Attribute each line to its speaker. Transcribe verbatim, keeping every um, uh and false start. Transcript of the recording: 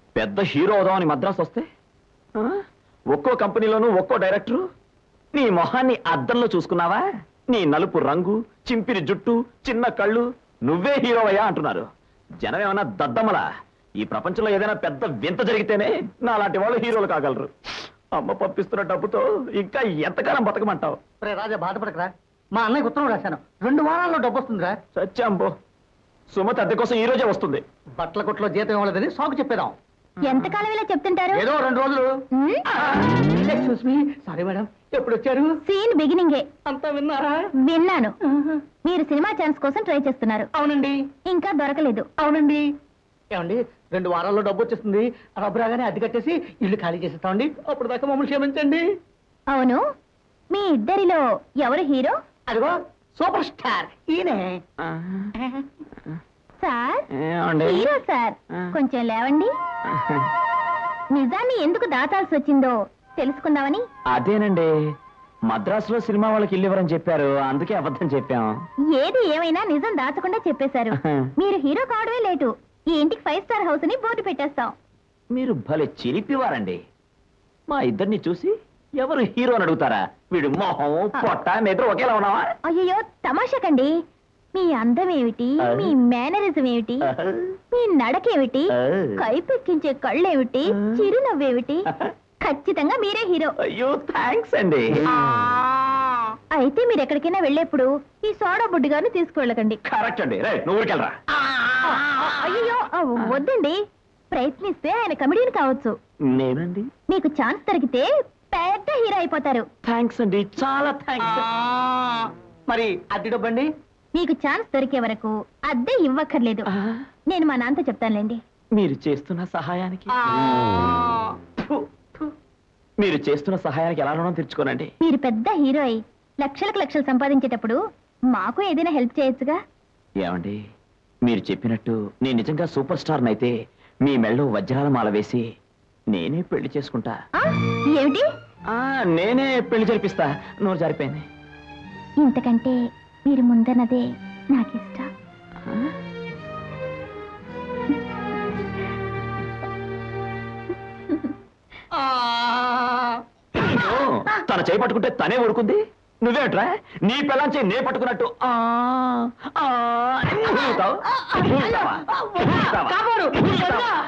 Speaker 1: పెద్ద హీరో అవుదామని మద్రాసు వస్తే ఒక్కో కంపెనీలోనూ ఒక్కో డైరెక్టరు. నీ మొహాన్ని అద్దంలో చూసుకున్నావా? నీ నలుపు రంగు, చింపిరి జుట్టు, చిన్న కళ్ళు, నువ్వే హీరోవయ్యా అంటున్నారు. జనం ఏమన్నా దద్దమ్మలా? ఈ ప్రపంచంలో ఏదైనా పెద్ద వింత జరిగితేనే నా లాంటి వాళ్ళు హీరోలు కాగలరు. అమ్మ పంపిస్తున్న డబ్బుతో ఇంకా ఎంతకాలం బతకమంటావు?
Speaker 2: రాజా బాధపడకరా, మా అన్నయ్య ఉత్తరం రాశాను, రెండు వారాల్లో డబ్బు వస్తుందిరా.
Speaker 1: సత్యాంబో, సుమతి అద్దె కోసం ఈ రోజే వస్తుంది.
Speaker 2: బట్టల కొట్లో జీతం ఇవ్వలేదని సాకు చెప్పేదాం.
Speaker 3: ఎంతకాలం ఇలా చెప్తుంటారు?
Speaker 2: ఏదో రెండు రోజులు. సారీ మేడం, ఎప్పుడు వచ్చారు?
Speaker 3: సీన్ బిగినింగే.
Speaker 2: అంతా విన్నారా?
Speaker 3: విన్నాను. మీరు సినిమా ఛాన్స్ కోసం ట్రై చేస్తున్నారు.
Speaker 2: అవునండి.
Speaker 3: ఇంకా దొరకలేదు.
Speaker 2: అవునండి. ఏమండి, రెండు వారాల్లో డబ్బు వచ్చేస్తుంది, రబ్బు రాగానే అద్దె కట్టేసి ఇల్లు ఖాళీ చేసేస్తామండి. అప్పుడు దాకా మమ్మల్ని క్షమించండి.
Speaker 3: అవును, మీ ఇద్దరిలో ఎవరు హీరో?
Speaker 2: అదిగో సూపర్ స్టార్ ఈయనే.
Speaker 3: సార్, హీరో సార్, కొంచెం లేవండి. నిజాన్ని ఎందుకు దాచాల్సి వచ్చిందో తెలుసుకుందామని.
Speaker 1: అదేనండి, మద్రాసులో సినిమా వాళ్ళకి ఇల్లు ఇవ్వరని చెప్పారు, అందుకే అబద్ధం చెప్పాం.
Speaker 3: ఏది ఏమైనా నిజం దాచకుండా చెప్పేశారు. మీరు హీరో కావడమే లేటు. ఈ ఇంటికి ఫైవ్ స్టార్ హౌస్ అని బోర్డు పెట్టేస్తాం.
Speaker 1: మీరు భలే చిలిపివారండి. మా ఇద్దరిని చూసి ఎవరు హీరో అని అడుగుతారా? వీడు మొహం పొట్ట నిద్ర ఒకేలా ఉన్నావా?
Speaker 3: అయ్యో తమాషకండి. మీ అందం ఏమిటి, మీ మేనరిజం ఏమిటి, మీ నడకేమిటి, కైపెక్కించే కళ్ళేమిటి, చిరునవ్వేమిటి, ఖచ్చితంగా మీరే హీరో.
Speaker 1: అయ్యో థ్యాంక్స్ అండి.
Speaker 3: అయితే మీరు ఎక్కడికైనా వెళ్ళేప్పుడు ఈ సోడా బుడ్డి గారిని తీసుకువెళ్ళకండి.
Speaker 1: కరెక్ట్ అండి. రైట్, నువ్వు ఊరికెళ్ళరా.
Speaker 3: అయ్యో వద్దండి, ప్రయత్నిస్తే ఆయన కమెడియన్ కావచ్చు.
Speaker 1: నేనండి.
Speaker 3: మీకు ఛాన్స్ దొరికితే పెద్ద హీరో అయిపోతారు.
Speaker 1: థ్యాంక్స్ అండి, చాలా థ్యాంక్స్.
Speaker 2: మరి అద్దె డబ్బండి?
Speaker 3: మీకు ఛాన్స్ దొరికే వరకు అద్దె ఇవ్వక్కర్లేదు. నేను మా నాన్నతో చెప్తానులేండి.
Speaker 1: మీరు చేస్తున్న సహాయానికి మీరు చేస్తున్న సహాయానికి ఎలా రుణం తీర్చుకోనండి.
Speaker 3: మీరు పెద్ద హీరో అయి లక్షలకు లక్షలు సంపాదించేటప్పుడు మాకు ఏదైనా హెల్ప్ చేయొచ్చుగా.
Speaker 1: ఏమండి, మీరు చెప్పినట్టు నేను నిజంగా సూపర్ స్టార్ నైతే మీ మెళ్ళో వజ్రాల మాల వేసి నేనే పెళ్లి చేసుకుంటా.
Speaker 3: ఏమిటి?
Speaker 1: నేనే పెళ్లి జరిపిస్తా. నోరు జారిపోయింది.
Speaker 3: ఇంతకంటే మీరు ముందన్నదే నాకు ఇష్టం.
Speaker 1: తన చేయి పట్టుకుంటే తనే ఊరుకుంది. నువ్వేట్రా నీ పిల్లని చేయి నే పట్టుకున్నట్టు ఆ